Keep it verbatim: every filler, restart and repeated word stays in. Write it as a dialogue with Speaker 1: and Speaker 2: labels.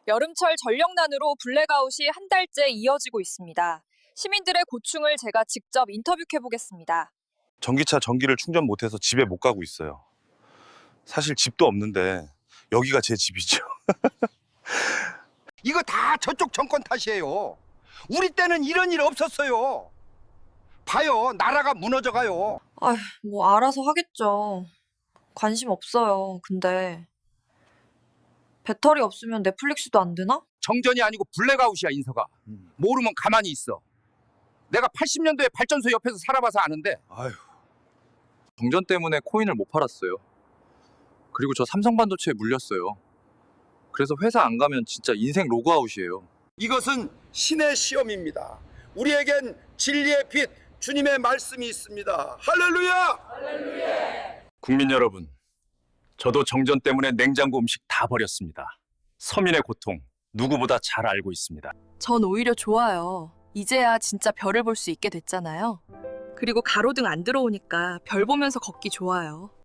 Speaker 1: 여름철 전력난으로 블랙아웃이 한 달째 이어지고 있습니다. 시민들의 고충을 제가 직접 인터뷰해보겠습니다.
Speaker 2: 전기차 전기를 충전 못해서 집에 못 가고 있어요. 사실 집도 없는데 여기가 제 집이죠.
Speaker 3: 이거 다 저쪽 정권 탓이에요. 우리 때는 이런 일 없었어요. 봐요, 나라가 무너져가요.
Speaker 1: 아휴, 뭐 알아서 하겠죠. 관심 없어요. 근데 배터리 없으면 넷플릭스도 안 되나?
Speaker 3: 정전이 아니고 블랙아웃이야, 인서가. 모르면 가만히 있어. 내가 팔십 년도에 발전소 옆에서 살아봐서 아는데.
Speaker 2: 아휴.
Speaker 4: 정전 때문에 코인을 못 팔았어요. 그리고 저 삼성반도체에 물렸어요. 그래서 회사 안 가면 진짜 인생 로그아웃이에요.
Speaker 3: 이것은 신의 시험입니다. 우리에겐 진리의 빛, 주님의 말씀이 있습니다. 할렐루야!
Speaker 2: 국민 여러분, 저도 정전 때문에 냉장고 음식 다 버렸습니다. 서민의 고통 누구보다 잘 알고 있습니다.
Speaker 5: 전 오히려 좋아요. 이제야 진짜 별을 볼 수 있게 됐잖아요. 그리고 가로등 안 들어오니까 별 보면서 걷기 좋아요.